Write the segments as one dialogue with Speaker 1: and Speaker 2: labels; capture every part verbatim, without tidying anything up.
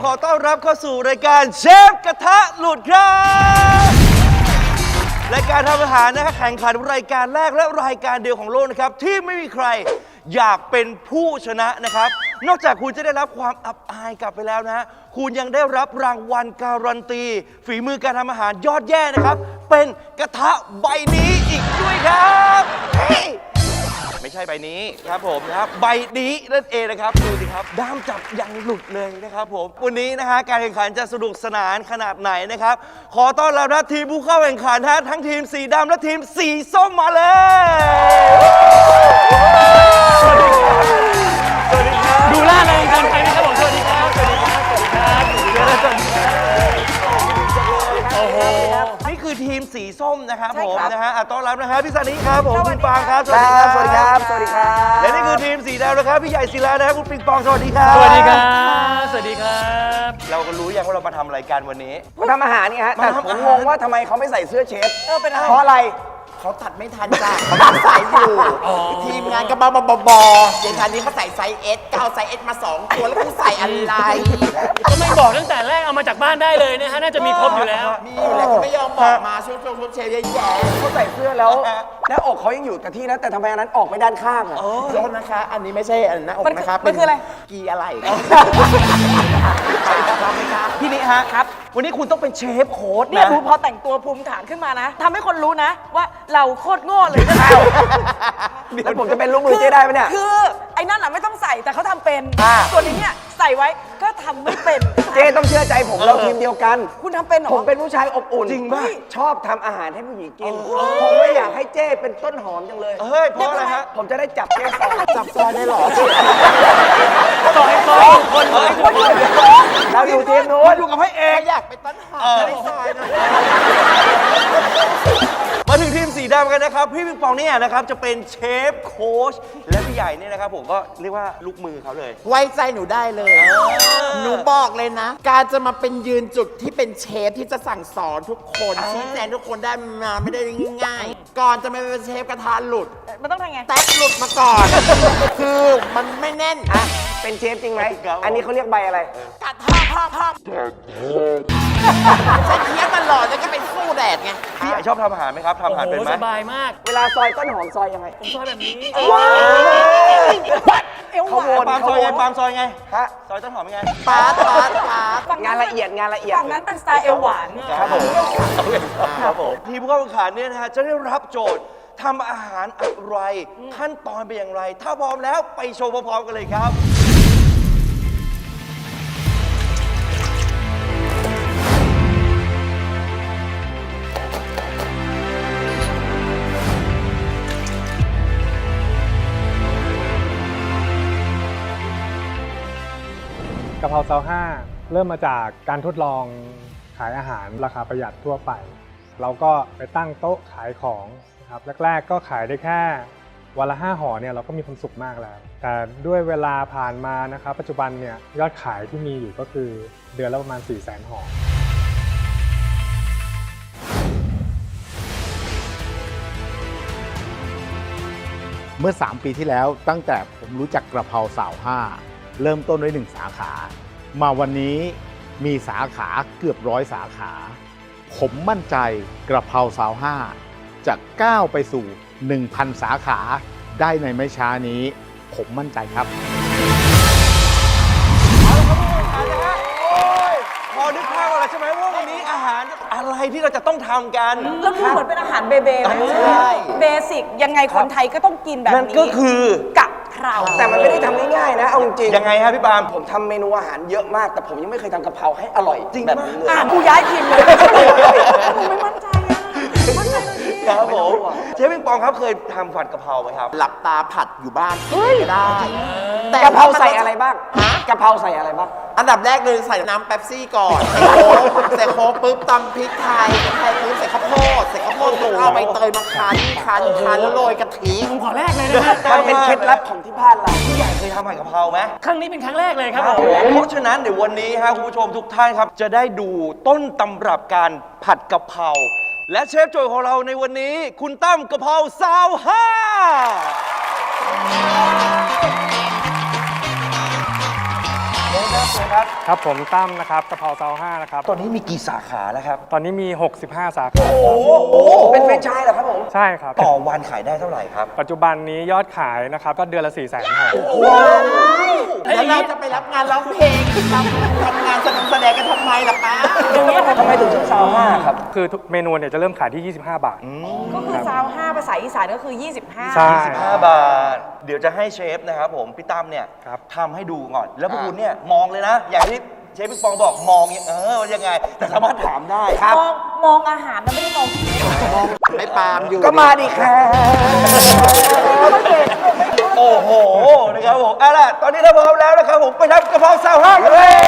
Speaker 1: อต้อนรับเข้าสู่รายการเชฟกระทะหลุดครับรายการทำอาหารนะครับแข่งขันรายการแรกและรายการเดียวของโลกนะครับที่ไม่มีใครอยากเป็นผู้ชนะนะครับนอกจากคุณจะได้รับความอับอายกลับไปแล้วนะคุณยังได้รับรางวัลการันตีฝีมือการทำอาหารยอดแย่นะครับเป็นกระทะใบนี้อีกด้วยครับไม่ใช่ใบนี้ครับผมนะครับใบนี้นั่นเองนะครับดูสิครับด้ามจับยังหลุดเลยนะครับผมวันนี้นะฮะการแข่งขันจะสนุกสนานขนาดไหนนะครับขอต้อนรับนะทีมผู้เข้าแข่งขันฮะทั้งทีมสีดำและทีมสีส้มมาเลยสวัสดีครับสวัสดีครับ
Speaker 2: ดูล่าเริงกันไปนะครับผมสวัสดีครับสวัสดีครับสวัสดีครับสวัสดีครับโอ้โห
Speaker 1: นี่คือทีมสีส้มนะครับผมนะฮะต้อนรับนะครับพี่สันนิครับผมคุณปางครับ
Speaker 3: สวัสดีครับสวัสดีครับสวัสดีครับ
Speaker 1: และนี่คือทีมสีดำนะครับพี่ใหญ่ศิลานะครับคุณปิงปองสวัสดีครับ
Speaker 2: สวัสดีครับสวัสดีครับ
Speaker 1: เราก็รู้ยังว่าเรามาทำรายการวันนี้
Speaker 3: มาทำอาหารนี่ฮะแต่ผมงงว่าทำไมเขาไม่ใส่เสื้อเชฟ
Speaker 4: เออเป็นอะไร
Speaker 3: เพราะอะไร
Speaker 4: เขาตัดไม่ทันจ้ะเขาตัดสายอยู่ทีมงานก็บ้าบอบออย่างคันนี้เขาใส่ไซส์เอสก้าวไซส์เอสมาสองตัวแล้วกูใส่อะไร
Speaker 2: ก็ไม่บอกตั้งแต่แรกเอามาจากบ้านได้เลยนะฮะน่าจะมีครบอยู่แล้ว
Speaker 4: มีอยู่แล้วเขาไม่ยอมบอกมาช่วยช่วยเชฟแย่ๆ
Speaker 3: เขาใส่เสื้อแล้วหน้าอกเขายังอยู่กับที่นะแต่ทำไมอันนั้นออกไปด้านข้างอ่ะ
Speaker 4: โทษนะคะอันนี้ไม่ใช่อันหน้าอกนะคะ
Speaker 3: มันคืออะไร
Speaker 4: กีอะไร
Speaker 3: พี่นิฮะครับวันนี้คุณต้องเป็นเชฟโค้ด
Speaker 5: เนี่ย
Speaker 3: นะ
Speaker 5: ภูพอแต่งตัวภูมิฐานขึ้นมานะทำให้คนรู้นะว่าเราโคตรโง่เลยนะ
Speaker 3: แล้วผมจะเป็นลูกมือเจ๊ได้ไหมเนี่ย
Speaker 5: คือไอ้นั่นอ่ะไม่ต้องใส่แต่เขาทำเป็น
Speaker 3: อ่า
Speaker 5: ส่วนนี้เนี่ยใส่ไว้ก็ทำไม่เป็น
Speaker 3: เจ๊ต้องเชื่อใจผมเราทีมเดียวกัน
Speaker 5: คุณทำเป็นเหรอ
Speaker 3: ผมเป็นผู้ชายอบอุ่น
Speaker 1: จริงป่ะ
Speaker 3: ชอบทำอาหารให้ผู้หญิงกินผมไม่อยากให้เจ๊เป็นต้นหอมจังเลย
Speaker 1: เฮ้ยเพราะอะไรฮะ
Speaker 3: ผมจะได้จับเจ๊ซอย
Speaker 4: จับซอยได้หรอ
Speaker 2: ต่อให้ซอยคนเลย
Speaker 3: เราอยู่ทีมนู้น
Speaker 1: อยู่กับพระเอก
Speaker 4: อยากเป็นต้นหอมในซอยนะ
Speaker 1: มาถึงทีมสีดำกันนะครับพี่ปิงปองเนี่ยนะครับจะเป็นเชฟโค้ชและพี่ใหญ่เนี่ยนะครับผมก็เรียกว่าลูกมือเขาเลย
Speaker 4: ไว้ใจหนูได้เลยหนูบอกเลยนะการจะมาเป็นยืนจุดที่เป็นเชฟที่จะสั่งสอนทุกคนชี้แจงทุกคนได้มาไม่ได้ง่ายๆก่อนจะมาเป็นเชฟกระทะหลุด
Speaker 5: มันต้องทำไง
Speaker 4: แท็กหลุดมาก่อน คือมันไม่แน่น
Speaker 3: อ่ะเป็นเชฟจริงไหมอันนี้เขาเรียกใบอะไร
Speaker 4: กระทะพ่อพ่อใช้เคี้ยวตลอดแล้วก็เป็นสู้แดดไง
Speaker 1: พี่ใหญ่ชอบทำอาหารไหมครับทำอาหารเป็นไหม
Speaker 2: สบายมาก
Speaker 3: เวลาซอยต้นหอมซอยยังไง
Speaker 2: ผมซอยแบบนี้
Speaker 3: ว้าว
Speaker 5: เอวหวาน
Speaker 1: ปามซอยไงปามซอยไง
Speaker 3: ฮะ
Speaker 1: ซอยต้นหอมยังไง
Speaker 4: ปาดปาดปาด
Speaker 3: งานละเอียดงานละเอียด
Speaker 5: ฝั่งนั้นเป็นสไตล์เอวหวาน
Speaker 1: ครับผมครับผมทีมผู้เข้าแข่งขันเนี่ยนะฮะจะได้รับโจทย์ทำอาหารอะไรขั้นตอนเป็นอย่างไรถ้าพร้อมแล้วไปชมพร้อมๆกันเลยครับ
Speaker 6: กะเพราซาวห้าเริ่มมาจากการทดลองขายอาหารราคาประหยัดทั่วไปเราก็ไปตั้งโต๊ะขายของนะครับแรกๆก็ขายได้แค่วันละห้าห่อเนี่ยเราก็มีความสุขมากแล้วแต่ด้วยเวลาผ่านมานะครับปัจจุบันเนี่ยยอดขายที่มีอยู่ก็คือเดือนละประมาณ สี่แสน ห่อ
Speaker 7: เมื่อสามปีที่แล้วตั้งแต่ผมรู้จักกระเพราสาวห้าเริ่มต้นด้วยหนึ่งสาขามาวันนี้มีสาขาเกือบร้อยสาขาผมมั่นใจกระเพราสาวห้าจะก้าวไปสู่ หนึ่งพัน สาขาได้ในไม่ช้านี้ผมมั่นใจครับ
Speaker 1: พอนึกภาพอะไรใช่ไหมว่าวันนี้อาหารอะไรที่เราจะต้องทำกัน
Speaker 5: แล้วคือเหมือนเป็นอาหารเบเบเลย
Speaker 1: ใช่
Speaker 5: เบสิกยังไงคนไทยก็ต้องกินแบบนี้
Speaker 1: นั่นก็คือกะ
Speaker 5: เพรา
Speaker 3: แต่มันไม่ได้ทำง่ายๆนะเอาจริง
Speaker 1: ยังไงครับพี่ปาล์ม
Speaker 3: ผมทำเมนูอาหารเยอะมากแต่ผมยังไม่เคยทำกะเพราให้อร่อยจริงแบบนี้เลย
Speaker 5: อ่ะกูย้ายทีมเลยผมไม่มั่นใจอ่ะมั่นใจเลยพี่
Speaker 1: ครับผมเชฟปิงปองครับเคยทำผัดกะเพราไหมครับ
Speaker 4: หลับตาผัดอยู่บ้านก็ได้
Speaker 3: แต่กะเพราใส่อะไรบ้างกะเพราใส่อะไรบ้าง
Speaker 4: อันดับแรกเลยใส่น้ำเป๊ปซี่ก่อนใส่โค้กปุ๊บตำพริกไทยไทยปุ๊บใส่ข้าวโพดใส่ข้าวโพดปุ๊บเอาใบเตยมาคั้นคั้นคั้นแล้วโรยกะทิ
Speaker 2: ผมขอแรกเลยนะ
Speaker 3: มันเป็นเคล็ดลับของที่บ้านเรา
Speaker 1: พี่ใหญ่เคยทำผัดกะเพราไหม
Speaker 2: ครั้งนี้เป็นครั้งแรกเลยครับผม
Speaker 1: เพราะฉะนั้นเดี๋ยววันนี้ครับคุณผู้ชมทุกท่านครับจะได้ดูต้นตำรับการผัดกะเพราและเชฟโจยของเราในวันนี้คุณตั้มกะเพราซาวห้าเชิญครับครับ
Speaker 6: ครับผมตั้มนะครับกะเพราซาวห้านะครับ
Speaker 1: ตอนนี้มีกี่สาขาแล้วครับ
Speaker 6: ตอนนี้มี หกสิบห้า สาขา
Speaker 3: โอ้โหเป็นแฟรนไชส์เหรอครับผม
Speaker 6: ใช่ครับ
Speaker 1: ต่อวันขายได้เท่าไหร่ครับ
Speaker 6: ปัจจุบันนี้ยอดขายนะครับก็เดือนละ4ี่แสนครับ
Speaker 4: แล้วเราจะไปรับงานร้องเพลงทำทำงานแสดงกันทำไมล่ะป้า
Speaker 3: ทำไมถึงชื่อซาวห้าครับ
Speaker 6: คือทุกเมนูเนี่ยจะเริ่มขายที่ ยี่สิบห้า บาท
Speaker 5: ก็คือซาวห้าภาษาอีสานก็คือ ยี่สิบห้า
Speaker 6: ใช่
Speaker 1: ห้าบาท เดี๋ยวจะให้เชฟนะครับผม พี่ตั้มเนี่ย
Speaker 6: ครับ
Speaker 1: ทำให้ดูก่อน แล้วพวกคุณเนี่ยมองเลยนะ อย่างที่เชฟพี่ปองบอกมองเนี่ยเออว่ายังไง แต่สามารถถามได้ครับ
Speaker 5: มองมองอาหารนะไม่ได้มองที่
Speaker 4: ไม่ปาล์มอยู่
Speaker 3: ก็มาดิค่ะ
Speaker 1: โอ้โห นะครับผมเอาล่ะ ตอนนี้เราพร้อมแล้วนะครับผมไปทำกะเพราซาวห้ากันเลย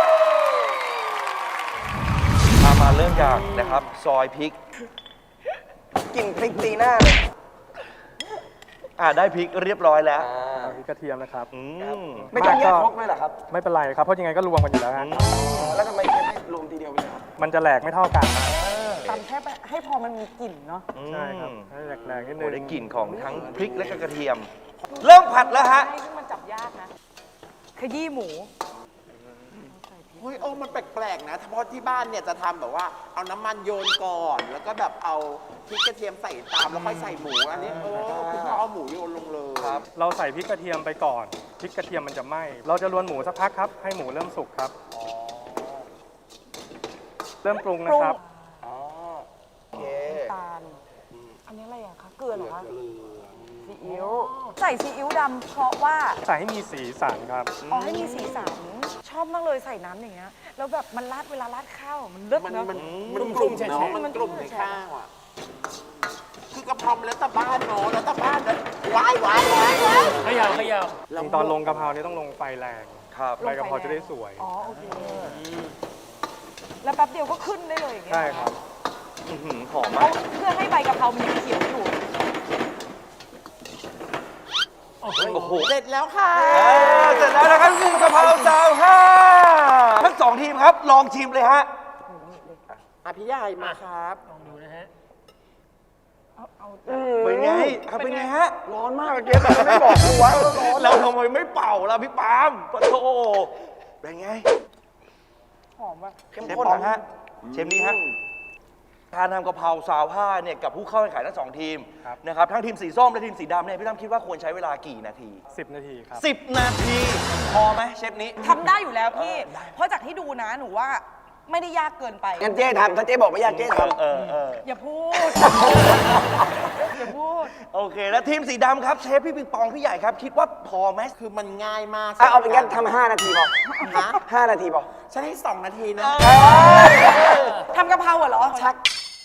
Speaker 1: มามาเริ่มจากนะครับ ซอยพริก
Speaker 3: กลิ่นพริกตีหน้าเลย
Speaker 1: อ่าได้พริกเรียบร้อยแล้ว
Speaker 6: พริกกระเทียมนะครับ
Speaker 1: อืม
Speaker 3: ไม่ต้องแยกครกเลยเหรอครับ
Speaker 6: ไม่เป็นไรครับเพราะยังไงก็รวมกันอยู่แล้วฮะ
Speaker 3: แล้วทำไมไม่ให้รวมทีเดียวไปเลยครับ
Speaker 6: มันจะแหลกไม่เท่ากันนะ
Speaker 5: ตำแค่ให้พอมันมีกลิ่นเนาะ
Speaker 6: ใช่ครับให้แหลกๆนิดนึ
Speaker 1: โอ้
Speaker 6: ง
Speaker 1: ได้กลิ่นของทั้งพริกและก็กระเทียม เริ่มผัดแล้วฮะ
Speaker 5: ให้ซึ่งมันจับยากนะ ขยี้หมู
Speaker 4: เฮ้ยโอ้มันแปลกๆนะเพราะที่บ้านเนี่ยจะทำแบบว่าเอาน้ำมันโยนก่อน แล้วก็แบบเอาพริกกระเทียมใส่ตามแล้วค่อยใส่หมูอันนี้เออคือเขาเอาหมูโยนลงเลย
Speaker 6: เราใส่พริกกระเทียมไปก่อนพริกกระเทียมมันจะไหม้เราจะรวนหมูสักพักครับ ให้หมูเริ่มสุกครับเริ่มปรุงนะครับ
Speaker 3: โอเค
Speaker 5: ตาล อันนี้อะไรอะคะ เกลือเหรอคะซีอิ๊ว ใส่ซีอิ๊วดำเพราะว่า
Speaker 6: ใส่ให้มีสีสันครับ
Speaker 5: อ๋อให้มีสีสัน ชอบมากเลยใส่น้ำอย่างเงี้ย แล้วแบบมันราดเวลาราดข้าวมันเลิศ
Speaker 4: มัน
Speaker 5: เนาะ
Speaker 4: มันมันกลุ่มเนาะมันกลุ่มในข้าวอ่ะคือกระเพราแล้วแต่บ้านเนาะแล้วแต่บ้านนะว้ายว้ายว้ายว้าย
Speaker 2: ขยาวขยาว
Speaker 6: จริงตอนลงกะเพราเนี่ยต้องลงไฟแรง
Speaker 1: ครับ
Speaker 6: ใบกะเพราจะได้สวย
Speaker 5: อ๋อโอเค แล้วแป๊บเดียวก็ขึ้นได้เลยอย่างเงี้ย
Speaker 6: ใช่ครับ
Speaker 1: อื้อหือหอม
Speaker 5: เพ
Speaker 1: มาก
Speaker 5: ราะเพื่อให้ใบกะเพรามันยังเขียวอยู่
Speaker 1: โอ้โห
Speaker 4: เสร็จแล้วค่ะ
Speaker 1: อ่าเสร็จแล้วนะครับคือกะเพราซาวห้าทั้งสองทีมครับลองชิมเลยฮะ
Speaker 4: อ่ะพี่ใหญ่มาครับ
Speaker 2: ลองดูนะฮะ
Speaker 5: เอาเอา
Speaker 1: เป็นไงครับเป็นไงฮะ
Speaker 3: ร้อนมากเจ๊แต่ไม่บอกกูว่าร้อน
Speaker 1: เราทำไมไม่เป่าล่ะพี่ปาล์มปะโถเป็นไง
Speaker 5: หอมว่ะ
Speaker 3: เข้ม
Speaker 1: เชฟ
Speaker 3: ข้น
Speaker 1: ปอง
Speaker 3: นะ
Speaker 1: ฮะเชฟนี้ฮะการทำกะเพราซาวห้าเนี่ยกับผู้เข้าแข่งขันทั้งสองทีม
Speaker 6: ครับ
Speaker 1: นะครับทั้งทีมสีส้มและทีมสีดำเนี่ยพี่ตั้มคิดว่าควรใช้เวลากี่นาที
Speaker 6: สิบ นาทีครับ
Speaker 1: สิบ นาทีพอไหมเชฟนี้
Speaker 5: ทำได้อยู่แล้วพี่ เพราะจากที่ดูนะหนูว่าไม่ได้ยากเกินไป
Speaker 3: งั้นเจ๊ทำถ้าเจ๊บอกไม่ยากเจ๊ทำ
Speaker 1: เออเออ
Speaker 5: อย่าพูด อย่าพูด
Speaker 1: โอเค แล้วทีมสีดำครับเชฟพี่ปิงปองพี่ใหญ่ครับคิดว่าพอไหม
Speaker 4: คือมันง่ายมาก
Speaker 3: อ่ะเอาเป็นงั้นทำห้านาทีพอ
Speaker 4: ฮะ
Speaker 3: ห้านาทีพอ
Speaker 4: ฉันให้สองนาทีนะ
Speaker 5: ทำกะเพราเหรอ ชัก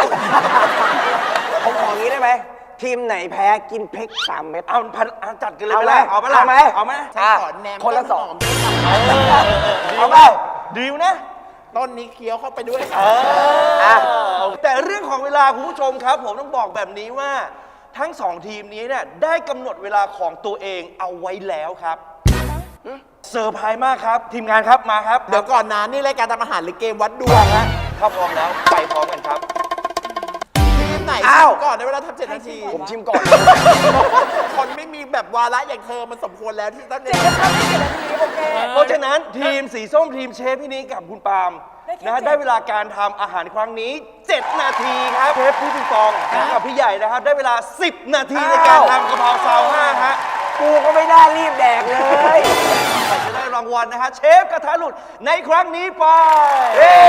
Speaker 3: ผมของี้ได้ไหม ทีมไหนแพ้กินพริกสามเม็ด
Speaker 1: เอาพันเอาจัดกันเลย
Speaker 3: เอา
Speaker 1: ไหม
Speaker 3: ไหม
Speaker 1: ล่ะเอาไหมล่ะ
Speaker 3: เอาไหม
Speaker 1: เอาไหม
Speaker 4: ฉันขอแนม
Speaker 3: คนละสอง
Speaker 4: ต้นหม
Speaker 3: เอาเปล่า
Speaker 1: ดีลนะ
Speaker 4: ต้นนี้เคี้ยวเข้าไปด้วย
Speaker 1: เอ
Speaker 4: ค่ะ
Speaker 1: อแต่เรื่องของเวลาคุณผู้ชมครับ ผมต้องบอกแบบนี้ว่า ทั้งสองทีมนี้เนี่ยได้กำหนดเวลาของตัวเองเอาไว้แล้วครับเซอร์ไพรส์มากครับ ทีมงานครับมาครับ
Speaker 4: เดี๋ยวก่อนนะนี่รายการทำอาหารหรือเกมวัดดวงฮะ
Speaker 1: ถ้าพร้อมแล้วไปพร้อมกันครับ
Speaker 4: ทีมไหน
Speaker 3: อ้าว
Speaker 4: ชิมก่อนในเวลาทำเจ็ดนาที
Speaker 3: ผมชิมก่อน
Speaker 4: คนไม่มีแบบวาระอย่างเธอมันสมควรแล้วที่ต้อง
Speaker 5: เจ็ดนาทีเจ็ดนาทีโอเค
Speaker 1: เพราะฉะนั้นทีมสีส้มทีมเชฟพี่นี้กับคุณปาล์ม
Speaker 5: ได้แค่
Speaker 1: นะฮะ
Speaker 5: เจ็ด
Speaker 1: ได้เวลาการทำอาหารครั้งนี้ เจ็ด นาทีครับเชฟพี่ปิงปองกับพี่ใหญ่นะครับ ได้เวลา สิบ นาทีในการทำกะเพราซาวห้าฮะ
Speaker 3: กูก็ไม่ได้รีบแดกเลย
Speaker 1: ใครจะได้รางวัลนะฮะเชฟกระทะหลุดในครั้งนี้ไป
Speaker 3: เฮ้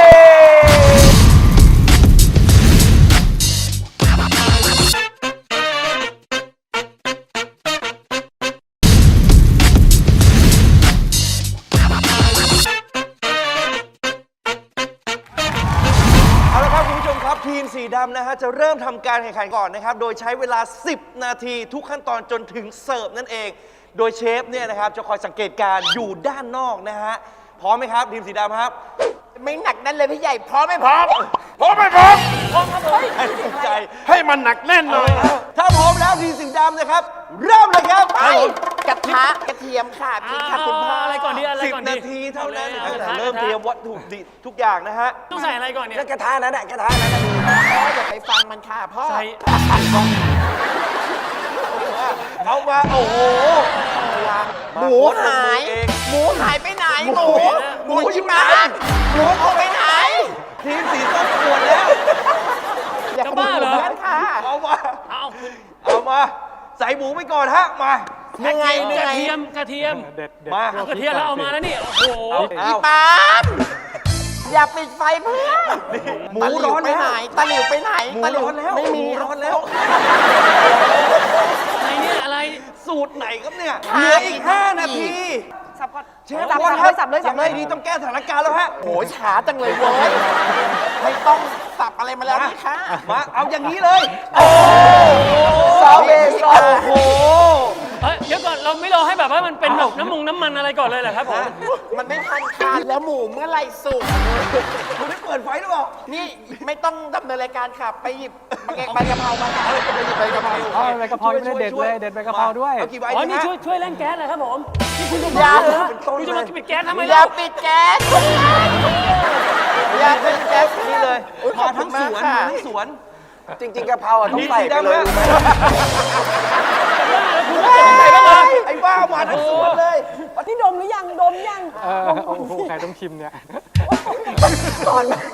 Speaker 1: เอาละครับคุณผู้ชมครับทีมสีดำนะฮะจะเริ่มทำการแข่งขันก่อนนะครับ โดยใช้เวลา สิบ นาทีทุกขั้นตอนจนถึงเสิร์ฟนั่นเอง โดยเชฟเนี่ยนะครับจะคอยสังเกตการณ์อยู่ด้านนอกนะฮะพร้อมไหมครับทีมสีดำครับ
Speaker 4: ไม่หนักแน่นเลยพี่ใหญ่พร้อมไม่พร้อม
Speaker 1: พร้อมไหมพร้อมพร้อมครับผมให้สนใจ
Speaker 7: ให้มันหนักแน่นเลย
Speaker 1: ถ้าพร้อมแล้วทีมสีดำนะครับ เริ่มเลยครับ
Speaker 4: ไปกระทะกระเทียมค่ะพริกค่ะคุณพ่อ
Speaker 2: อะไรก่อนดีอะไร
Speaker 1: สิบ
Speaker 2: ก่อนดี
Speaker 1: นาทีเท่านั้น
Speaker 2: อ
Speaker 1: ตั้ง
Speaker 2: ล
Speaker 1: แต่
Speaker 2: ย
Speaker 1: เริ่มเตรียมวัตถุดิบทุกอย่างนะฮะ
Speaker 2: ต้องใส่อะไรก่อนเนี่ย
Speaker 3: แล้วกระทะนั้นน่ะกระทะนั้นน่ะ
Speaker 4: พ่ออย่าไปฟังมันค่ะพ่อ
Speaker 2: ใส่
Speaker 1: เอามาโอ้โห
Speaker 4: หมูหาย หมูหายไปไหน หมู หมูอยู่ไหนหมูเอาไปไหน
Speaker 1: ทีมสีส้มปวดแล้ว
Speaker 4: อย่า
Speaker 2: จะบ้าเหรอ
Speaker 4: ขโมยกันค่ะ
Speaker 1: เอามา
Speaker 2: เอาคุณ
Speaker 1: เอามา ใส่หมูไปก่อนฮะ มา
Speaker 4: ยังไง
Speaker 2: ก
Speaker 4: ยัง
Speaker 2: ระ
Speaker 4: ไง
Speaker 2: เทียมกระเทียม
Speaker 6: เด็ดเด็ด
Speaker 1: มา
Speaker 6: พว
Speaker 2: กระเทียมเราเอามาแล้วนี่ โอ้โห
Speaker 1: เอา
Speaker 4: อีปามอย่าปิดไฟเพื่อน
Speaker 1: หมูร้อน
Speaker 4: ไป
Speaker 1: แล้ว
Speaker 4: ไหนตะหลิวไปไหน
Speaker 1: หมู
Speaker 4: ตะหลิว
Speaker 1: ร้อนแล้ว
Speaker 4: ไม่มี
Speaker 1: หร้อนแล้ว
Speaker 2: อะไรเนี่ยอะไร
Speaker 1: สูตรไหนครับเนี่ย เหลืออีก ห้า นาที
Speaker 5: สับก่อน
Speaker 1: เชฟ
Speaker 5: สับ
Speaker 1: ก่อน
Speaker 5: เลยสับเลยสับเลย
Speaker 1: งไงดีต้องแก้สถานการณ์แล้วฮะ
Speaker 4: โหช้าจังเลยเว้ย ไม่ต้องสับอะไรมาแล้วนี่ค่ะ
Speaker 1: มา เอาอย่างนี้เลย
Speaker 3: ซอเบซอ
Speaker 1: โอ้โห
Speaker 2: เฮ้ยเดี๋ยวก่อนเราไม่รอให้แบบว่ามันเป็นแบบน้ำมงน้ำมันอะไรก่อนเลยเหรอครับผม
Speaker 4: มันไม่ทันการแล้วหมูเมื่อไหร่สุก
Speaker 1: คุณได้เปิดไฟหรือเปล่า
Speaker 4: นี่ไม่ต้องดำเนินรายการค่ะ ไปหยิบใบกะเพรามาค่ะไปหยิบใบกะเพรา
Speaker 6: เอาใบกะเพราไม่ได้เด็ดเลยเด็ดใบกะเพราด้วย
Speaker 1: เอากี่ใบ
Speaker 2: อ๋อ
Speaker 1: ดี
Speaker 2: นี่
Speaker 1: ฮะ
Speaker 2: ช่วยช่วยเร่งแก๊สเลยครับผมนี่คุณจะ
Speaker 4: อย่า
Speaker 2: บ้าเหรอคุณจะมาปิดแก๊สทำไม
Speaker 4: อย่า
Speaker 2: ล่ะ
Speaker 4: ปิดแก๊สอย่าปิดแก๊ส
Speaker 1: นี่เลย
Speaker 4: อุ๊ยข
Speaker 1: มา
Speaker 4: อบคุ
Speaker 1: ทั้
Speaker 4: ณ
Speaker 1: ง
Speaker 4: มา
Speaker 1: ส
Speaker 4: ก
Speaker 1: วน
Speaker 4: ค่ะ
Speaker 1: มาทั้งสวน
Speaker 3: จริง ๆกะเพราอ่ะต้อง
Speaker 1: นี่
Speaker 3: ใส่
Speaker 1: สี
Speaker 3: ไป
Speaker 1: ดำ
Speaker 3: เลย
Speaker 1: ฮะ
Speaker 2: คุณจะใส่บ้างเหรอ
Speaker 1: ไอ้บ้ามาทั้งสวนเลย
Speaker 5: นี่ดมหรือยัง ดมยัง
Speaker 6: เออโอ้โหใครต้องชิมเนี่ย
Speaker 3: ก่อน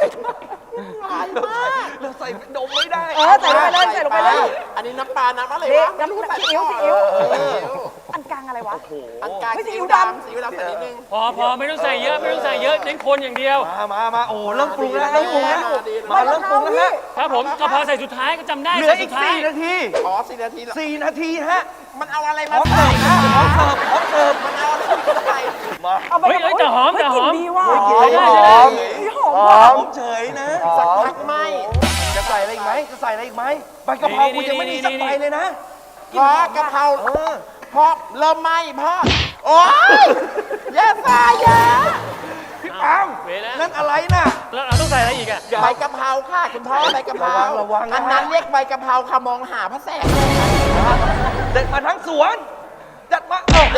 Speaker 1: เราใส่ดมไม่ได้
Speaker 5: เออใส่ลงไปเลยใส่ลงไปเลย
Speaker 4: อันนี้น้ำปลา น้ำอะไร
Speaker 5: นี่
Speaker 4: วะ
Speaker 5: น้ำซีอิ๊วซีอิ๊วอันกลางอะไรวะ
Speaker 4: อันกลาง
Speaker 5: ไม่
Speaker 4: ซี
Speaker 5: ซีอิ๊
Speaker 4: อิ๊ว
Speaker 5: วดำ
Speaker 4: ดำซีอิ๊วดำใส่นิดนึง
Speaker 2: พอพอไม่ต้องใส่เยอะไม่ต้องใส่เยอะเน้นคนอย่างเดียว
Speaker 1: มามามาโอ้เริ่มปรุงแล้วเริ่มปรุงแล้วมาเริ่มปรุงแล้วฮะ
Speaker 2: ครับผมกะเพราใส่สุดท้ายก็จำได้
Speaker 1: เหลือ
Speaker 2: ใส่
Speaker 1: อี
Speaker 2: สุ
Speaker 1: ก
Speaker 2: ดท้าย
Speaker 1: สี่นาที
Speaker 4: อ๋อสี่นาทีเหรอ
Speaker 1: สี่นาทีฮะ
Speaker 4: มันเอาอะไร
Speaker 1: พ
Speaker 4: มา
Speaker 1: ร้อม
Speaker 4: ใส่
Speaker 1: เสิร์ฟนะพร้อมเสิร์ฟพร้อมเสิร์ฟ
Speaker 4: มันเอาอะไรมาใส่
Speaker 1: มา
Speaker 5: เอาไป
Speaker 2: เฮ้ยเฮ้ยแต่หอมแต่หอม
Speaker 5: เฮ้ยกลิ่นดีว่ะ
Speaker 1: หอม
Speaker 2: ใช่
Speaker 1: ห
Speaker 2: ใช่
Speaker 1: อม
Speaker 5: นี่หอม
Speaker 1: ห
Speaker 5: ว่ะ
Speaker 1: อมเฉยนะ
Speaker 4: สักพักไหม
Speaker 1: จะใส่อะไรอีกไหมจะใส่อะไรอีกไหมใบกะเพราคุณยังไม่มีสักใบเลยนะ
Speaker 4: พอกะเพรา
Speaker 1: เออ
Speaker 4: พอเริ่มไหมพ่อโอ๊ยแย่สายแย่
Speaker 1: พี่ปาม
Speaker 2: เวแล้ว
Speaker 1: นั่นอะไรน่ะ
Speaker 2: แล้วเราต้องใส่อะไรอีกอะ
Speaker 4: ใบกะเพราค่ะคุณพ่อใบกะเพรา
Speaker 1: ระวังระวังนะ
Speaker 4: อันนั้นเรียกใบกะเพราค่ะมองหาพระแสง
Speaker 1: เด็ดมาทั้งสวน จัดมาโอ้โห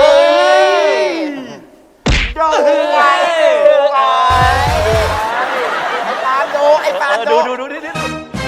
Speaker 4: ดูไว้ดูไว้ไอ้ปาล์มดูไอ้ปาล์ม
Speaker 1: ดู
Speaker 4: ดู
Speaker 1: ดูดูดิดิ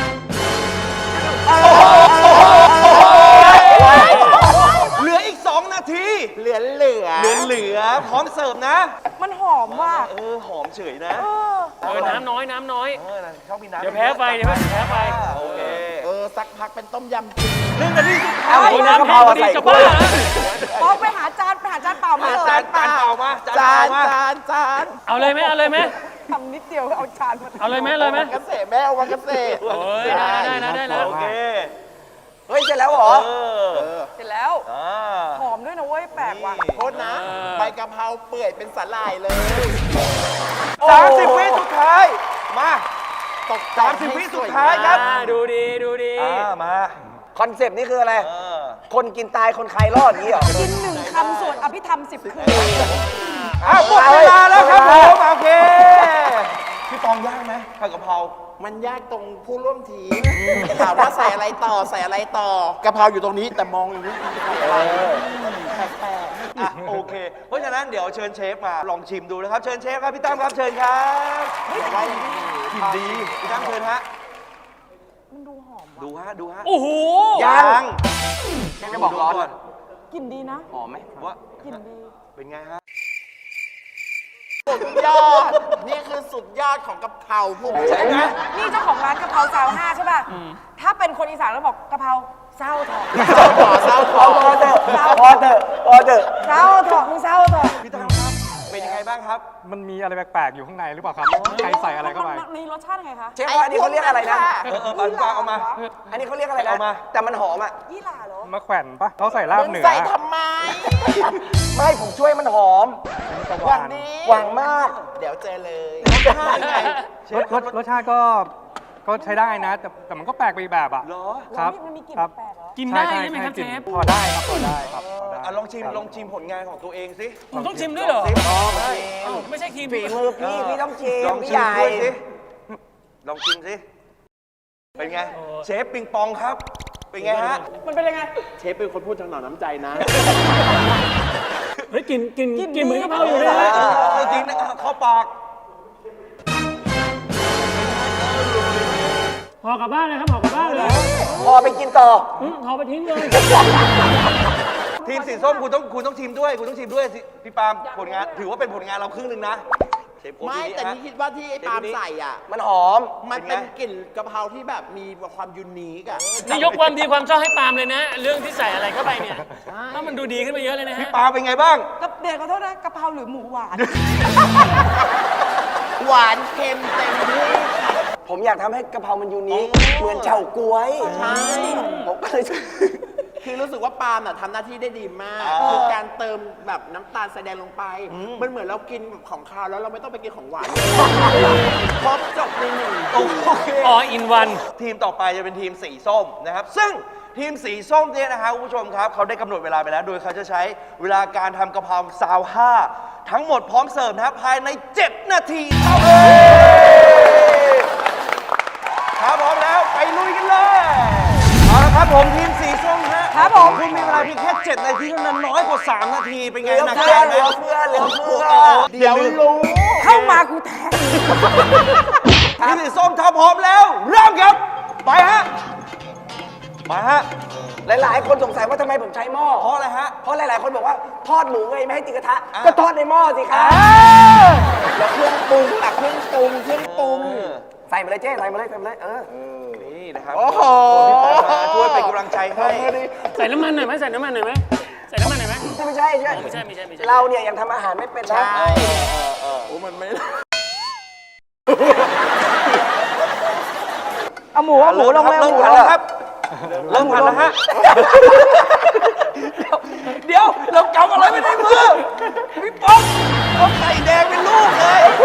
Speaker 1: เหลืออีกสองนาที
Speaker 4: เหลือเหลือ
Speaker 1: เหลือเหลือพร้อมเสิร์ฟนะ
Speaker 5: มันหอมว่ะ
Speaker 1: เออ หอมเฉยนะ
Speaker 5: เออ
Speaker 2: เออน้ำน้อยน้ำน้อย
Speaker 1: เออชอบมีน้ำ
Speaker 2: เดี๋ยวแพ้ไฟเดี๋ยวแพ้ไฟ
Speaker 1: อ่าโอเค
Speaker 4: เออสักพักเป็นต้มยำจีน
Speaker 1: หนึ่งนาทีสุดท้าย
Speaker 2: โอ้ยน้ำแห้งพอดีจะบ้าเหรอ
Speaker 5: พอไปหาจานไปหาจานเปล่ามา
Speaker 1: อ่ะ
Speaker 5: เลย
Speaker 1: จานจานเปล่ามาจาน
Speaker 4: จา
Speaker 1: เปล่าน มา
Speaker 4: จานจาน
Speaker 2: เอาเลยไหมเอาเลยไหม
Speaker 5: ทำนิดเดียวเอาจานมา
Speaker 2: เอาเลยไหมเอาเลยไหม
Speaker 4: เกษตรแม่เอาวันเกษตร
Speaker 2: โอ้ยได้ได้นะได้แล้ว
Speaker 1: โอเค
Speaker 3: เฮ้ยเสร็จแล้วเหรอ
Speaker 1: เออ
Speaker 5: เสร็จแล้ว
Speaker 1: อ่า
Speaker 5: หอมด้วยนะเว้ย แปลกว่ะ
Speaker 4: โทษนะ ใบกะเพราเปื่อยเป็นสาหร่ายเลย
Speaker 1: สามสิบวิสุดท้าย มา
Speaker 4: ตก
Speaker 1: สามสิบวิสุดท้ายครับ
Speaker 2: อ่าดูดีดูดี
Speaker 1: อ่ามา
Speaker 3: คอนเซปต์นี่คืออะไร
Speaker 1: เออ
Speaker 3: คนกินตายคนใครรอดอย่างนี้เหรอ
Speaker 5: กินหนึ่งคำส่วนอภิธรรมสิบคืน
Speaker 1: อ่ะหมดเวลาแล้วครับผมโอเค พี่ตองย่างไหมผัดกะเพรา
Speaker 4: มันยากตรงผู้ร่วมทีมถามว่าใส่อะไรต่อใส่อะไรต่อกะเพราอยู่ตรงนี้แต่มองอย่างนี้แปลก
Speaker 1: อ่ะโอเค เพราะฉะนั้นเดี๋ยวเชิญเชฟมาลองชิมดูนะครับ เชิญเชฟครับพี่ตั้มครับเชิญครับ
Speaker 4: ๆว่าอย่างนี้
Speaker 1: กินดีพี่ตั้มเชิญฮะ
Speaker 5: มันดูหอมว่ะ
Speaker 1: ดูฮะดูฮะ
Speaker 2: โอ้โห
Speaker 1: ยัง
Speaker 3: ยังจะบอกร้อน
Speaker 1: ก่อน
Speaker 5: กลิ่นดีนะ
Speaker 3: หอมไหม
Speaker 1: ว่าก
Speaker 5: ลิ่นดี
Speaker 1: เป็นไงฮะ
Speaker 4: สุดยอด นี่คือสุดยอดของกะเพราพวก
Speaker 1: ใช่ไหม
Speaker 5: นี่เจ้าของร้านกะเพราซาวห้าใช่ป่ะ ถ้าเป็นคนอีสานแล้วบอกกะเพราเศร้าถอด
Speaker 4: เศร้าต่อเศร้าต่อ
Speaker 3: พอเถอะพอเถอะพอเถอะ
Speaker 5: เศร้าถอดมึงเศร้าถอด
Speaker 1: พี่ตั้มครับ เป็นยังไงบ้างครับ
Speaker 6: มันมีอะไรแปลกๆอยู่ข้างในหรือเปล่าครับใครใส่อะไรเข้าไป
Speaker 5: มันมีรสชาติไงคะ
Speaker 3: เชฟว่าอันนี้เขาเรียกอะไรนะ
Speaker 1: เออเออปันปลาเอามา
Speaker 3: อันนี้เขาเรียกอะไรนะ
Speaker 1: เอามา
Speaker 3: แต่มันหอมอ่ะ
Speaker 5: ยี่หร่าเหรอ
Speaker 6: มะแขวนปะเขาใส่ลาบ
Speaker 4: มึง
Speaker 6: เหนือ
Speaker 4: ใส่ทำไม
Speaker 3: ไม่ผมช่วยมันหอม
Speaker 6: ตะ
Speaker 4: วั
Speaker 6: วัน น
Speaker 4: นี้
Speaker 3: หวังมาก
Speaker 4: เดี๋ยวเจอเลย
Speaker 6: รสรสรสชาติก็ก็ใช้ได้นะ แต่แต่มันก็แปลกไปอีกแบบอ่ะ
Speaker 1: เหรอ
Speaker 6: ครับ
Speaker 5: มันมีกลิ่น
Speaker 6: ครับ
Speaker 5: แปลกๆเหรอ
Speaker 2: กินได้
Speaker 6: ใช่
Speaker 2: ใช่ไหมครับ
Speaker 6: กลิ่
Speaker 2: เช
Speaker 6: น
Speaker 2: ฟ
Speaker 6: พอได้ครับพอได้ครับพอได้
Speaker 1: อ่ะลองชิมลองชิมผลงานของตัวเองสิ
Speaker 2: ผมต้องชิมด้วยเหรอ
Speaker 1: สิลองสิ
Speaker 2: เอ้าไม่ใช่ครีม
Speaker 3: ฝีมือพี่พี่ต้องชิม
Speaker 1: ลอง
Speaker 3: พี่
Speaker 1: ชิ
Speaker 3: ให
Speaker 1: ม
Speaker 3: ญ่
Speaker 1: ด้วยสิ ลองชิมสิ เป็นไง เชฟปิงปองครับ เป็นไงฮะ
Speaker 5: มันเป็นยังไง
Speaker 4: เชฟเป็นคนพูดทางหน่อน้ำใจนะ
Speaker 2: เฮ้ยกลินกลิน
Speaker 5: กลิ่น
Speaker 2: กลินเหมือนกะเพรา
Speaker 5: ดี
Speaker 2: อยู่เลยนะ
Speaker 1: เออจริงนะเข้าปาก
Speaker 2: ห่อกลับบ้านเลยครับห่อกลับบ้านเลย
Speaker 3: พอไปกินต่อ
Speaker 2: อืมห่อไปทิ้งเลย
Speaker 3: ท
Speaker 1: ทีมสีส้มคุณต้องคุณต้องทีมด้วยคุณต้องทีมด้วยสิพี่ปาล์มผลงานถือว่าเป็นผลงานเราครึ่งหนึ่งนะเชฟโอ๊ต
Speaker 4: ไม่
Speaker 1: ที
Speaker 4: แต่
Speaker 1: ฮะ
Speaker 4: นี่คิดว่าที่ไอ้ปาล์มใส่อ่ะ
Speaker 3: มันหอม
Speaker 4: มันเป็น
Speaker 1: เป็นไง
Speaker 4: กลิ่นกะเพราที่แบบมีความยูนิคอ่ะ
Speaker 2: นี่ยกความดีความชอบให้ปาล์มเลยนะ เรื่องที่ใส่อะไรเข้าไปเนี่ยแล้วมันดูดีขึ้นไปเยอะเลยนะฮะ
Speaker 1: พี่ปาล์มเป็นไงบ้าง
Speaker 5: กับเด็กขอโทษนะกะเพราหรือหมูหวาน
Speaker 4: หวานเค็มเต็มที่
Speaker 3: ผมอยากทำให้กะเพรามันยูนิคเหมือนเฉาก๊วย
Speaker 4: ใช่
Speaker 3: ผมก็เลย
Speaker 4: คือรู้สึกว่าปาล์มน่ะทำหน้าที่ได้ดีมาก
Speaker 1: อ่า
Speaker 4: คือการเติมแบบน้ำตาลแสดงลงไป มันเหมือนเรากินของคาวแล้วเราไม่ต้องไปกินของหวานครบจบในหนึ่ง
Speaker 1: โอเค
Speaker 2: ออินวัน
Speaker 1: ทีมต่อไปจะเป็นทีมสีส้มนะครับ ซึ่งทีมสีส้มเนี่ยนะครับคุณผู้ชมครับเขาได้กำหนดเวลาไปแล้ว โดยเขาจะใช้เวลาการทำกะเพราซาวห้าทั้งหมดพร้อมเสิร์ฟนะครับภายใน เจ็ด นาทีเท่านั้นถ้าพร้อมแล้วไปลุยกันเลยเอาละครับผมทีมสีส้มฮะ
Speaker 5: ครับผม
Speaker 1: คุณมีเวลาเพียงแค่ เจ็ด นาทีเท่านั้นน้อยกว่า สาม นาทีเป็นไง
Speaker 3: เหลือ
Speaker 1: หนัก
Speaker 3: เฟื
Speaker 1: ใจ
Speaker 3: อ
Speaker 1: ไหม
Speaker 3: เหลือเฟือเหลือเฟือ
Speaker 1: เดี๋ยวรู้
Speaker 5: เข้ามากูแทง
Speaker 1: ทีมสีส้มถ้าพร้อมแล้วเริ่มครับไปฮะมาฮะ
Speaker 3: หลาย ๆ คนสงสัยว่าทำไมผมใช้หม้อ
Speaker 1: เพราะอะไรฮะ
Speaker 3: เพราะหลาย ๆ คนบอกว่าทอดหมูไงไม่ให้ติดกระทะ
Speaker 1: อ่า
Speaker 3: ก็ทอดในหม้อสิครับแล้วเครื่องปรุงอะเครื่องปรุงเครื่องปรุง
Speaker 1: เออ
Speaker 3: ใส่มาเลยเจ๊ใส่มาเลยใส่มาเลยเออ
Speaker 1: นี่นะครับ
Speaker 3: โอ้โห
Speaker 1: พี่ปอมาช่วยเป็นกำลังใจให้
Speaker 2: ใส่น้ำมันหน่อยไหมใส่น้ำมันหน่อยไหมใส่น้ำมันหน่อยไหม
Speaker 3: ไม่ใช่ไม่ใช่
Speaker 2: ไม่ใช่ไม่ใช่ไม่ใช่
Speaker 3: เราเนี่ยยังทำอาหารไม่เป็นนะ
Speaker 4: ใช่โอ้มันไม่
Speaker 5: เอาหมูเอาหมูลงเลย
Speaker 1: เริ่ม
Speaker 5: หมู
Speaker 1: ผัด
Speaker 5: ล
Speaker 1: แล้ว
Speaker 5: ง
Speaker 1: ครับ เริ่มผัดแล้วฮะ เดี๋ยว เรากำอะไรไม่ได้มือ พี่ป๊อกเอาไข่แดงเป็นลูกเลย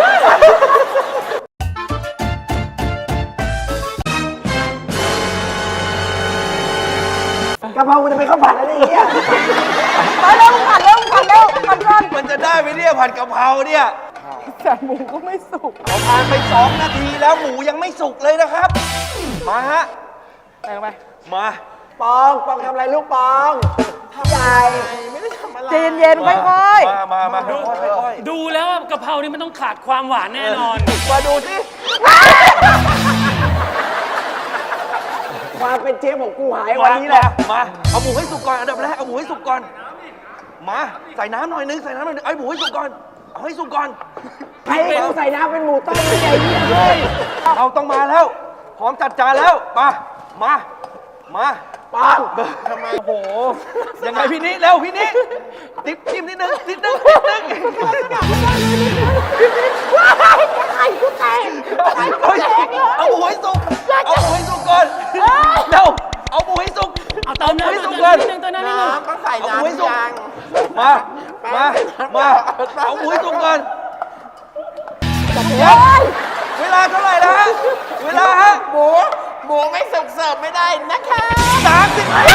Speaker 3: กะเพรามันจะเป็นข้าวผัดอะไรอย่างเงี้ย
Speaker 5: ไปเร็วผัดเร็วผัดเร็วผัดก่อน
Speaker 1: มันจะได้ไหมเนี่ยผัดกะเพราเนี่ย
Speaker 5: แต่หมูก็ไม่สุก
Speaker 1: เราผ่านไปสองนาทีแล้วหมูยังไม่สุกเลยนะครับ มาฮะ
Speaker 5: ไปไป
Speaker 1: มา
Speaker 3: ปองปองทำอะไรลูกปองใหญ่
Speaker 4: ไม่ได้ทำอะไร
Speaker 5: เย็นเย็นๆค่อย
Speaker 1: มามามาค่อยๆค่อย
Speaker 2: ดูแล้วว่ากะเพรานี่มันต้องขาดความหวานแน่นอน
Speaker 1: ๆมาดูสิ
Speaker 3: ความเป็นเชฟของกูหาย
Speaker 1: มา
Speaker 3: วันนี้แหละ
Speaker 1: มา เอาหมูให้สุกก่อนอันดับแรก เอาหมูให้สุกก่อน มา ใส่น้ำหน่อยนึง ใส่น้ำหน่อยนึงเอาหมูให้สุกก่อน เอาให้สุกก่อน
Speaker 3: ไอ้กูใส่น้ำเป็นหมูต้มไม่ใหญ่เยี่ยเลย
Speaker 1: เราต้องมาแล้ว พร้อมจัดจานแล้ว มา มา มา
Speaker 3: ปัง
Speaker 1: ทำไมโอ้โห ยังไงพี่นิเร็วพี่นิติ๊บจิ้มนิดนึงนิดนึงนิดนึงเฮ้ยเอาหมูให้สุก เอาหมูให้สุกก่อนเร็วเอาหมูให้สุก
Speaker 2: เอาเติมน้ำ
Speaker 1: ให้
Speaker 2: นิด
Speaker 1: สุ
Speaker 2: นึ
Speaker 1: ก
Speaker 2: ง
Speaker 1: ก่อน
Speaker 2: นิดนึงเติมน้ำนิดนึง
Speaker 4: น้ำก็ใส่
Speaker 1: เอาหมูให้
Speaker 4: น้ำ
Speaker 1: สุก
Speaker 4: ยาง
Speaker 1: มา มา มา เอาหมูให้สุกก่อนเวลาเท่าไหร่แล้วฮะ เวลาฮะ
Speaker 4: หมูหมูไม่สุกเสิร์ฟไม่ได้นะคะ
Speaker 1: สามสิบวิ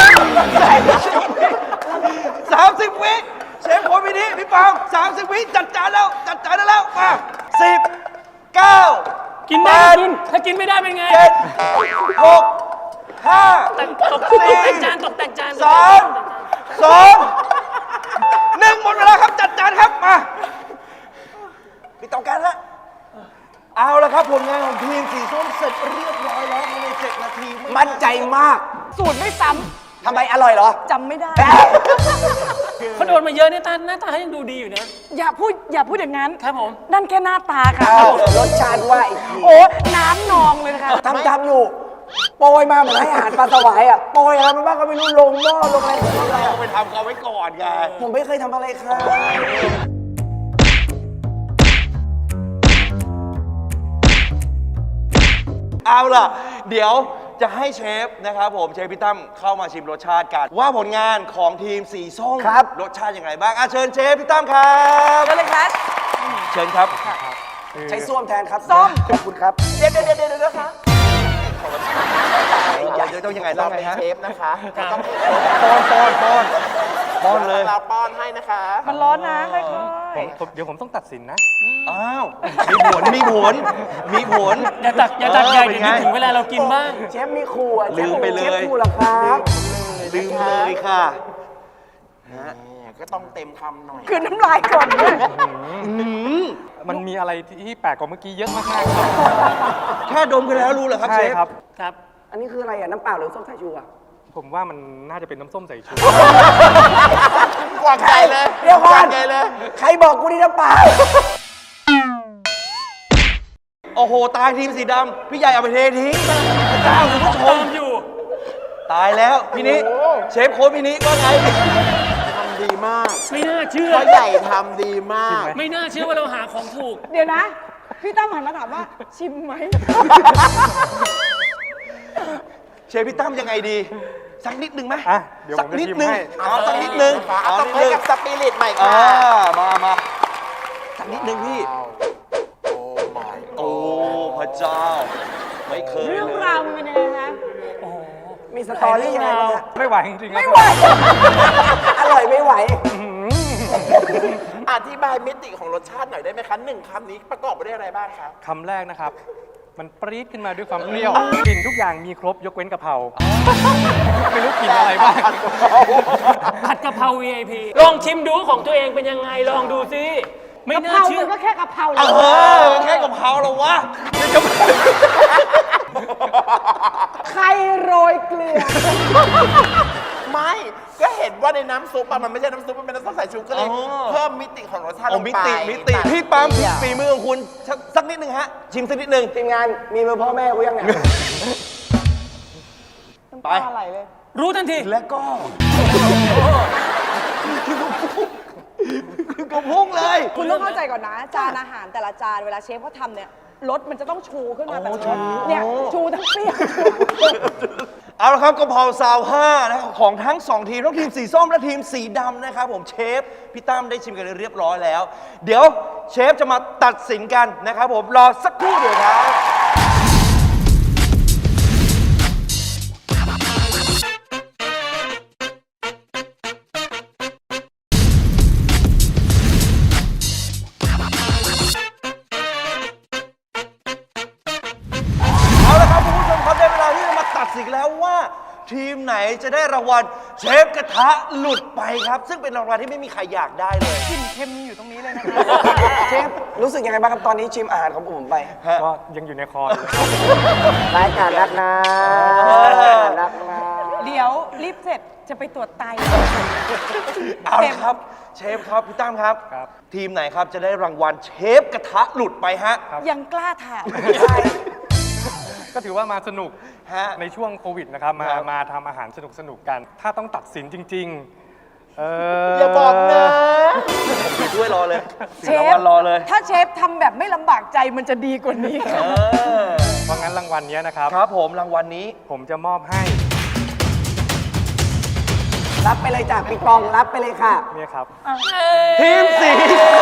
Speaker 1: สามสิบวิเชฟคนพี่นี้พี่ปองสามสิบวิจัดจานแล้ว จัดจานได้แล้ว มาสิบเก้า
Speaker 2: กินได้ก็กิน ถ้ากินไม่ได้เป็นไง
Speaker 1: เจ็ดหกห้า
Speaker 2: แต่งตก
Speaker 1: สี่
Speaker 2: แต่งจานตกแต่งจาน
Speaker 1: สามสองหนึ่งหมดเวลาครับจัดจานครับมาปิดเตาแก๊สฮะเอาละครับผลงานของทีมสีส้มเสร็จเรียบร้อยแล้วภายในเจ็ดนาทีไ
Speaker 3: มั่นใจมาก
Speaker 5: ๆ สูตรไม่ซ้
Speaker 3: ทำไมอร่อยเหรอ
Speaker 5: ำจำไม่ได้
Speaker 2: เขาโดนมาเยอะเนี่ยตาหน้าตาเขายังดูดีอยู่นะ
Speaker 5: อย่าพูดอย่าพูดอย่างนั้น
Speaker 2: ครับผม
Speaker 5: นั่นแค่หน้าตาค่ะ
Speaker 3: อ้าวรสชาติว่าอีกที
Speaker 5: โอ้น้ำนองเลยนะคะ
Speaker 3: ทำทำอยู่โปรยมาเหมือนให้อาหารปลาสวายอ่ะโปรยอะไรมันบ้างก็ไม่รู้ลงหม้อลงอะไรลงอะไรอะ
Speaker 1: ไปทำเขาไว้ก่อนไง
Speaker 3: ผมไม่เคยทำอะไรค่ะ
Speaker 1: เอาล่ะ เดี๋ยวจะให้เชฟนะครับผมเชฟพี่ตั้มเข้ามาชิมรสชาติกัน ว่าผลงานของทีมสีส้ม
Speaker 3: ครับ
Speaker 1: รสชาติอย่างไรบ้างอ่ะเชิญเชฟพี่ตั้มครับ
Speaker 5: ก็เลยครับ
Speaker 1: เชิญครับ
Speaker 3: ใช้ส้วมแทนครับ
Speaker 5: ส้ม
Speaker 3: ขอบคุณครับ
Speaker 5: เดี๋ยวเดี๋ยวเดี๋ยวเดี๋ยวนะคะ
Speaker 1: อยากจะต้องยังไงต้
Speaker 4: เรา
Speaker 1: องไง
Speaker 4: เป็น
Speaker 1: ฮะ
Speaker 4: เชฟนะคะ
Speaker 2: ครับ
Speaker 4: ต้อง
Speaker 1: ป้อนป้อนป้อนป้อนเลย
Speaker 4: เราป้อนให้นะคะ
Speaker 5: มันร้อนนะค่อย
Speaker 6: ผมเดี๋ยวผมต้องตัดสินนะ
Speaker 1: อ้าวมีผลมีผลมีผล
Speaker 2: อย่าตักอย่าตักใหญ่
Speaker 1: เป็
Speaker 2: เดี๋
Speaker 1: น
Speaker 2: ยว
Speaker 1: ไง
Speaker 2: นึกถึงเวลาเรากินบ้าง
Speaker 3: เชฟมีครัว
Speaker 1: ลืมไปเลย
Speaker 3: เชฟครัวเหรอครับ
Speaker 1: ลืมเลยค่ะ
Speaker 4: ก็ต้องเต็มคำหน่อย
Speaker 5: ๆคือน้ำลายก่อนด้วย
Speaker 6: มันมีอะไรที่แปลกกว่าเมื่อกี้เยอะมากๆครับ
Speaker 1: แค่ดมกันแล้วรู้เหรอครับเช
Speaker 6: ใช่
Speaker 1: ฟ
Speaker 6: ครับ
Speaker 2: ครับ
Speaker 3: อันนี้คืออะไรอ่ะ น้ำเปล่าหรือส้มสายชูอ่ะ
Speaker 6: ผมว่ามันน่าจะเป็นน้ำส้มสายชู
Speaker 4: กวางใจเลย
Speaker 3: เดี๋ยวก่อน
Speaker 4: กางใจเลย
Speaker 3: ใครบอกกูนี่น้ำเปล่า
Speaker 1: โอ้โห ตายทีมสีดำพี่ใหญ่เอาไปเททิ้งพระเจ้าคุณผู้ช
Speaker 2: ตอ
Speaker 1: ม
Speaker 2: มอยู่
Speaker 1: ตายแล้วพี่นิเชฟโค้ชพี่นิว่าไง
Speaker 4: ทำดีมาก
Speaker 2: ไม่น่าเชื่อ
Speaker 4: พ่อใหญ่ทำดีมาก
Speaker 2: ไม่น่าเชื่อว่าเราหาของถูก
Speaker 5: เดี๋ยวนะ พี่ตั้มหันมาถามว่าชิมไหม
Speaker 1: เชฟพี่ตั้มยังไงดี สักนิดหนึ่งไหม
Speaker 6: อ่ะเดี๋ยว
Speaker 1: สั
Speaker 6: ผมจะ
Speaker 1: นิด
Speaker 6: ชิม
Speaker 1: หนึ่ง
Speaker 6: ให้
Speaker 1: เอาสักนิดหนึ่ง
Speaker 4: เอา
Speaker 1: เอา
Speaker 4: ต้อง
Speaker 1: นิด
Speaker 4: ให้
Speaker 1: หนึ่ง
Speaker 4: กับสปิริตใหม่
Speaker 1: อ่า
Speaker 4: ค่ะ
Speaker 1: มามาสักนิดหนึ่งพี่
Speaker 4: โอ้ my
Speaker 1: โอ้พระเจ้า ไม่เคย
Speaker 5: เรื่อง
Speaker 1: เลย
Speaker 5: ราวมันเป็นยังไงคะ
Speaker 3: มีสตอรี่ยังไงบ้างฮะ
Speaker 6: ไม่ไหวจริงๆครับ
Speaker 3: ไม่ไหว อร่อยไม่ไหว
Speaker 4: อธิบายมิติของรสชาติหน่อยได้ไหมคะหนึ่งคำนี้ประกอบไปด้วยอะไรบ้างคะ
Speaker 6: คำแรกนะครับ มันปรี๊ดขึ้นมาด้วยความเปรี้ยวกลิ่นทุกอย่างมีครบยกเว้นกะเพราไม่รู้กลิ่นอะไรบ้าง
Speaker 2: ผัดกะเพรา วี ไอ พี ลองชิมดูของตัวเองเป็นยังไง ลองดูสิ ไม่
Speaker 5: กะเพ
Speaker 2: น่า
Speaker 5: รา
Speaker 2: เชื่อ
Speaker 5: มันก็แค่กะเพรา
Speaker 1: เออแค่กับเขาเหรอวะ
Speaker 5: ใครโรยเกลือ
Speaker 4: ไม่ก็เห็นว่าในน้ำซุปอะมันไม่ใช่น้ำซุปมันเป็นน้ำส้มสายชูก็เลย
Speaker 1: อ๋อ
Speaker 4: เพิ่มมิติของรสชาติล
Speaker 1: โอ้
Speaker 4: ง
Speaker 1: มิ
Speaker 4: ไป
Speaker 1: ติมิติพี่ปั๊มฝีมือของคุณสักสักนิดหนึ่งฮะ ชิมสักนิดหนึ่ง
Speaker 3: ทีมงานมีมือพ่อแม่กูยังเนี่ย
Speaker 5: น้ำตาไหลเลย
Speaker 2: รู้ทันที
Speaker 1: และก็คือกระพุ้งคือกระพุ้งเลย
Speaker 5: คุณต้องเข้าใจก่อนนะ จานอาหารแต่ละจานเวลาเชฟเขาทำเนี่ยรสมันจะต้องชูขึ้นมาแบบนี้เนี่ยชูทั้งเปรี้ยวชู
Speaker 1: เอาละครับกะเพราซาวห้านะครับของทั้งสองทีมทั้งทีมสีส้มและทีมสีดำนะครับผมเชฟพี่ตั้มได้ชิมกันเรียบร้อยแล้ว เดี๋ยวเชฟจะมาตัดสินกันนะครับผมรอสักครู่เดียวครับ เอาละครับคุณผู้ชมครับได้เวลาที่จะมาตัดสินแล้วว่า ทีมไหนจะได้รางวัลเชฟกระทะหลุดไปครับ ซึ่งเป็นรางวัลที่ไม่มีใครอยากได้เลย
Speaker 5: กลิ่นเค็มอยู่ตรงนี้เลยนะคะ
Speaker 3: เชฟรู้สึกยังไงบ้างครับตอนนี้ชิมอาหารของผมไป
Speaker 6: ก็ยังอยู่ในคออยู่เลยครับ
Speaker 3: รายการรักนะรักนะ
Speaker 5: เดี๋ยวรีบเสร็จจะไปตรวจไต
Speaker 1: เอาละครับเชฟครับพี่ตั้มครับ
Speaker 6: ครับ
Speaker 1: ทีมไหนครับจะได้รางวัลเชฟกระทะหลุดไปฮะ
Speaker 5: ยังกล้าถาม
Speaker 6: ก็ถือว่ามาสนุก
Speaker 1: ฮะ
Speaker 6: ในช่วงโควิดนะครับ มา
Speaker 1: ครับ
Speaker 6: มาทำอาหารสนุกสนุกๆกัน ถ้าต้องตัดสินจริง ๆ เออ
Speaker 4: อย่าบอกนะ
Speaker 1: ไปช่วยรอเลย
Speaker 5: เช
Speaker 1: สีราง
Speaker 5: ฟ
Speaker 1: วัลรอเลย
Speaker 5: ถ้าเชฟทำแบบไม่ลำบากใจมันจะดีกว่านี้
Speaker 1: เออ
Speaker 6: เพราะงั้นรางวัลเนี้ยนะครับ
Speaker 1: ครับผมรางวัลนี้
Speaker 6: ผมจะมอบให้
Speaker 3: รับไปเลยจากปิงปองรับไปเลยค่ะ
Speaker 6: เนี่ยครับ
Speaker 1: ทีมสี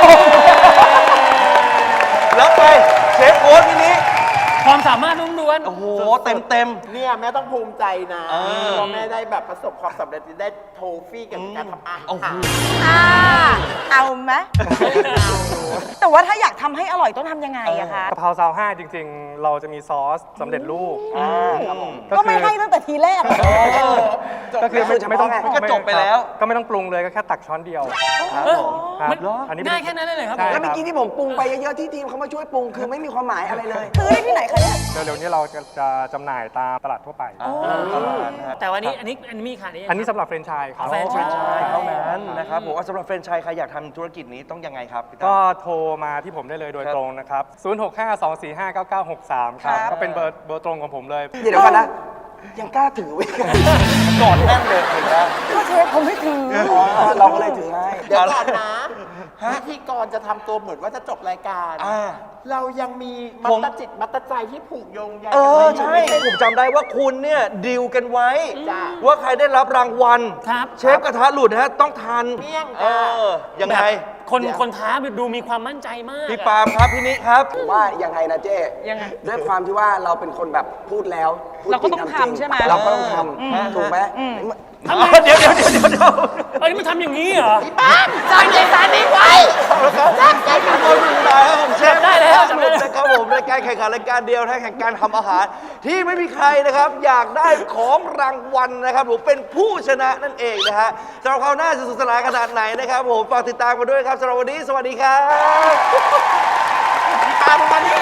Speaker 1: แล้วไปเชฟโค้ชทีนี้
Speaker 2: ความสามารถล้วน
Speaker 1: โอ้โห เต็มเต็ม
Speaker 4: เนี่ยแม่ต้องภูมิใจนะ
Speaker 1: เออ
Speaker 4: เพราะแม่ได้แบบประสบความสำเร็จได้โทฟี่กับการทำอาหาร
Speaker 1: โอ้โห
Speaker 5: อ่าเอาไหมแต่ว่าถ้าอยากทำให้อร่อยต้องทำยังไงอะคะ
Speaker 6: กะเพราซาวห้าจริง ๆ เราจะมีซอสสำเร็จรูป
Speaker 5: ก็ไม่ให้ตั้งแต่ทีแรก
Speaker 6: ก็คือไม่
Speaker 3: เฉพาะ
Speaker 6: ไม่ต้อง
Speaker 3: ไง
Speaker 1: ก็จบไปแล้ว
Speaker 6: ก็ไม่ต้องปรุงเลยก็แค่ตักช้อนเดียว
Speaker 1: ครับผม
Speaker 6: ครับ
Speaker 2: มัน
Speaker 6: อันนี้
Speaker 2: ง่ายแค่นั้นเลยเหรอครับ
Speaker 6: ใช่
Speaker 3: แล้วเมื่อ
Speaker 6: ครับ
Speaker 3: กี้ที่ผมปรุงไปเยอะๆที่ทีมเขามาช่วยปรุงคือไม่มีความหมายอะไรเลย
Speaker 5: ซื้อได้ที่ไหนคะเนี่ย
Speaker 6: เร็วๆนี้เราจะจะจำหน่ายตามตลาดทั่วไป
Speaker 2: แต่วันนี้อันนี้อันนี้มีขายได้ยัง
Speaker 6: อันนี้สำหรับแฟรนไชส์ครับ
Speaker 2: แฟรนไชส์
Speaker 1: ใช่เท่านั้นนะครับผมว่าสำหรับแฟรนไชส์ใครอยากทำธุรกิจนี้ต้องยังไงครับพี่ตั้ม
Speaker 6: ก็โทรมาที่ผมได้เลยโดย
Speaker 1: ครับ
Speaker 6: ตรงนะครับ ศูนย์ หก ห้า สอง สี่ ห้า เก้า เก้า หก สาม ครับ
Speaker 5: ครับ
Speaker 6: ก็เป็นเบอร์เบอร์ตรงของผมเลย
Speaker 3: เดี๋ยวก่อนนะ ยังกล้าถือไว้กัน
Speaker 1: กอดแน่นเลยเห็นไหม
Speaker 5: ก็เชฟผมไม่ถือ
Speaker 3: อ๋อเราก็เลยถือให้
Speaker 4: เดี๋ยวก่อนนะพิธีกรจะทำตัวเหมือนว่าจะจบรายการ
Speaker 1: อ่า
Speaker 4: เรายังมีมั
Speaker 1: ผ
Speaker 4: ต
Speaker 1: ม
Speaker 4: ตจิตมัตตใจที่ผูกโยงใย
Speaker 1: เออ
Speaker 4: กัน
Speaker 1: ใช่
Speaker 4: ไว้อยู่
Speaker 1: ผมจำได้ว่าคุณเนี่ยดีลกันไว้
Speaker 4: จ้ะ
Speaker 1: ว่าใครได้รับรางวัล
Speaker 2: ครับ
Speaker 1: เชฟกระทะหลุดนะฮะต้องทัน
Speaker 4: เมี่ยง
Speaker 1: เอ
Speaker 4: จ้ะ
Speaker 1: อยังไง
Speaker 2: คน
Speaker 4: เดี๋ยว
Speaker 2: คนท้าดูมีความมั่นใจมาก
Speaker 1: พี่
Speaker 2: อะ
Speaker 1: ปาล์มครับพี่นิครับ
Speaker 3: ผมว่ายังไงนะเจ้
Speaker 5: ยังไง
Speaker 3: ด้วยความที่ว่าเราเป็นคนแบบพูดแล้วพูด
Speaker 5: เราก็ต้อง
Speaker 3: จริ
Speaker 5: ทำใช่ไหม
Speaker 3: เราก็ต้องทำถูกไหม
Speaker 2: ทำไม
Speaker 1: เดี๋ยวเดี๋ยวเดี๋ยวเดี๋ยวเดี๋ยว
Speaker 2: เอ้ยมันทำอย่างนี้เหรอ
Speaker 4: จำใจสารนี้ไว้
Speaker 1: ขอบคุณครับผมเชฟ
Speaker 2: ได้แล้วจำได้
Speaker 1: ได้
Speaker 2: แล้ว
Speaker 1: นะครับผมรายการแข่งขันรายการเดียวนะแข่งการทำอาหาร ที่ไม่มีใครนะครับ อยากได้ของรางวัลนะครับผมเป็นผู้ชนะนั่นเองนะฮะสำหรับคราวหน้าจะสนุกสนานขนาดไหนนะครับผมฝากติดตามกันด้วยครับสำหรับวันนี้สวัสดีครับ
Speaker 4: ตามมานี่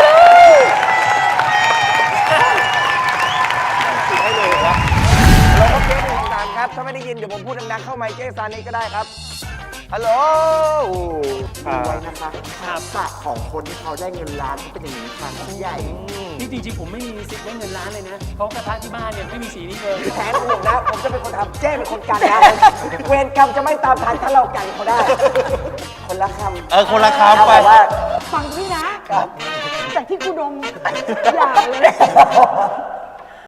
Speaker 1: ให้เลยครับ
Speaker 3: ถ้าไม่ได้ยินเดี๋ยวผมพูดดังๆเข้าไมค์เจ๊ซานิก็ได้ครับ ฮัลโหล
Speaker 4: ดูไว้นะคะทักษะของคนที่เขาได้เงินล้านเขาเป็นอย่างนี้ค่ะพี่ใหญ่
Speaker 2: นี่จริงๆผมไม่มีสิทธิ์ได้เงินล้านเลยนะเพราะกระทะที่บ้านเนี่ยไม่มีสีนี้เลย
Speaker 3: แผนผมนะ ผมจะเป็นคนทำเจ๊เป็นคนกันนะ เวรกรรมจะไม่ตามทันถ้าเรากันเขาได้ คนละคำ
Speaker 1: เออคนละคำไป
Speaker 3: เอาแบบว่า
Speaker 5: ฟังพี่นะ จากที่กูดมอย่าเลย